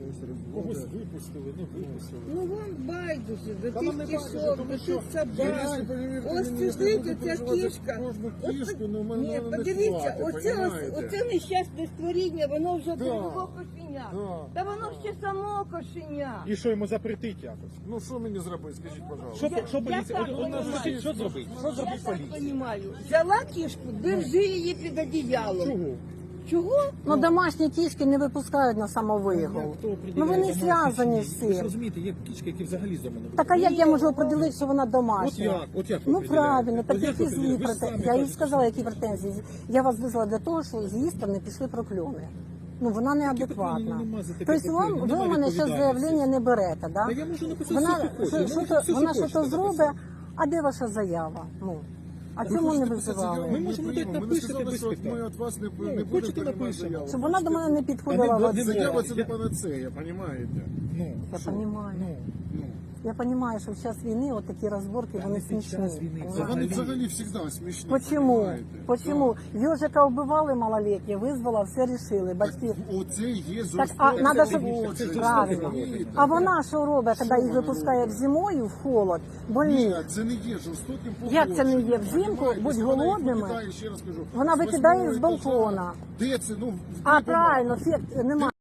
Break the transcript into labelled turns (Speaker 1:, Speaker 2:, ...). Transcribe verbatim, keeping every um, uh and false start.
Speaker 1: Когось випустили, не випустили.
Speaker 2: Ну вам байдуже, до
Speaker 1: Та нам не
Speaker 2: тих
Speaker 1: байдуже,
Speaker 2: кішок,
Speaker 1: тому
Speaker 2: до
Speaker 1: що
Speaker 2: тих собак. Ось це знаєте, ця кішка.
Speaker 1: Кожну
Speaker 2: От,
Speaker 1: кішку, ну в мене
Speaker 2: ні,
Speaker 1: вона не
Speaker 2: подивіться,
Speaker 1: хватить,
Speaker 2: оце, ось,
Speaker 1: понімаєте?
Speaker 2: оце нещасне створіння, воно вже
Speaker 1: Да.
Speaker 2: другого кошеня.
Speaker 1: Да.
Speaker 2: Та воно ще само кошеня.
Speaker 3: І що йому запретить якось?
Speaker 1: Ну що мені зробити, скажіть,
Speaker 3: Що,
Speaker 1: пожалуйста.
Speaker 3: що
Speaker 2: я
Speaker 3: поліція?
Speaker 2: так
Speaker 3: От, от,
Speaker 2: розумію.
Speaker 3: скажіть, що зробить? Що
Speaker 2: Я
Speaker 3: зробить
Speaker 2: так
Speaker 3: поліція?
Speaker 2: розумію. Взяла кішку, держи її під одіялом.
Speaker 3: Чого?
Speaker 2: Чого?
Speaker 4: Ну, домашні кішки не випускають на самовигул.
Speaker 3: Хто определяє
Speaker 4: Ну, вони
Speaker 3: домашні
Speaker 4: зв'язані
Speaker 3: чи ні?
Speaker 4: всі.
Speaker 3: Ви ж розумієте, є кішки, які взагалі з дому не
Speaker 4: Так а як я
Speaker 3: виходять.
Speaker 4: можу определити, що вона
Speaker 3: От
Speaker 4: домашня?
Speaker 3: як? От як ви
Speaker 4: Ну
Speaker 3: определяєте?
Speaker 4: правильно, так
Speaker 3: От як
Speaker 4: які
Speaker 3: ви
Speaker 4: злі
Speaker 3: определяєте? Ви ж
Speaker 4: претензії.
Speaker 3: самі
Speaker 4: Я їй
Speaker 3: кажете,
Speaker 4: сказала,
Speaker 3: що-
Speaker 4: які претензії. Я вас визвала для того, що з її сторони пішли прокльони. Ну вона неадекватна.
Speaker 3: прокльони? Нема за таке
Speaker 4: Тобто вам,
Speaker 3: прокльонів,
Speaker 4: ви у
Speaker 3: нема
Speaker 4: мене ще
Speaker 3: відповідальності.
Speaker 4: заявлення не берете, да?
Speaker 3: Та я можу написати
Speaker 4: Вона
Speaker 3: все, що хочу.
Speaker 4: що,
Speaker 3: Я
Speaker 4: що,
Speaker 3: можу
Speaker 4: то-
Speaker 3: все, що
Speaker 4: вона
Speaker 3: хочу
Speaker 4: що то зробить,
Speaker 3: написати.
Speaker 4: а де ваша заява? Ну, а чому не визивали?
Speaker 3: Ми можемо дати
Speaker 1: Ми
Speaker 3: написати
Speaker 1: сказали,
Speaker 3: без
Speaker 1: що
Speaker 3: питань.
Speaker 1: ми від вас не,
Speaker 3: Ну,
Speaker 1: не будемо
Speaker 3: хочете,
Speaker 1: приймати
Speaker 3: напишемо.
Speaker 1: заяву.
Speaker 4: Щоб вона до мене не підходила.
Speaker 3: А не-
Speaker 4: от
Speaker 3: не
Speaker 4: це.
Speaker 1: Заява
Speaker 3: буває.
Speaker 1: це не панацея, розумієте?
Speaker 3: Ну,
Speaker 4: Я
Speaker 3: що?
Speaker 4: розумію.
Speaker 3: Ну, ну.
Speaker 4: Я розумію, що в час війни от такі розборки, вони
Speaker 3: не під час
Speaker 4: смішні.
Speaker 3: війни,
Speaker 4: понимаєте?
Speaker 1: Вони
Speaker 3: Взагалі.
Speaker 1: взагалі завжди смішні.
Speaker 4: Почему?
Speaker 1: понімаєте?
Speaker 4: Почему? Ежика убивали малолетние, вызвала, все решили. Батьки.
Speaker 1: Так, оце є
Speaker 4: Так,
Speaker 1: жорстоке
Speaker 4: а надо, щоб
Speaker 1: поводження,
Speaker 4: правильно.
Speaker 1: розумієте?
Speaker 4: А вона що робить, коли їх
Speaker 1: вона
Speaker 4: випускає
Speaker 1: робить?
Speaker 4: зимою в холод,
Speaker 1: Ні,
Speaker 4: больних?
Speaker 1: це не є жорстоким поводженням.
Speaker 4: Як це не є? Взимку,
Speaker 1: Понімаєте?
Speaker 4: будь
Speaker 1: Вона їх
Speaker 4: голодними.
Speaker 1: викидає, ще раз кажу,
Speaker 4: Вона
Speaker 1: з
Speaker 4: викидає
Speaker 1: восьмого
Speaker 4: з балкона.
Speaker 1: етажа. Де це? Ну, в
Speaker 4: А
Speaker 1: де
Speaker 4: правильно, фект немає.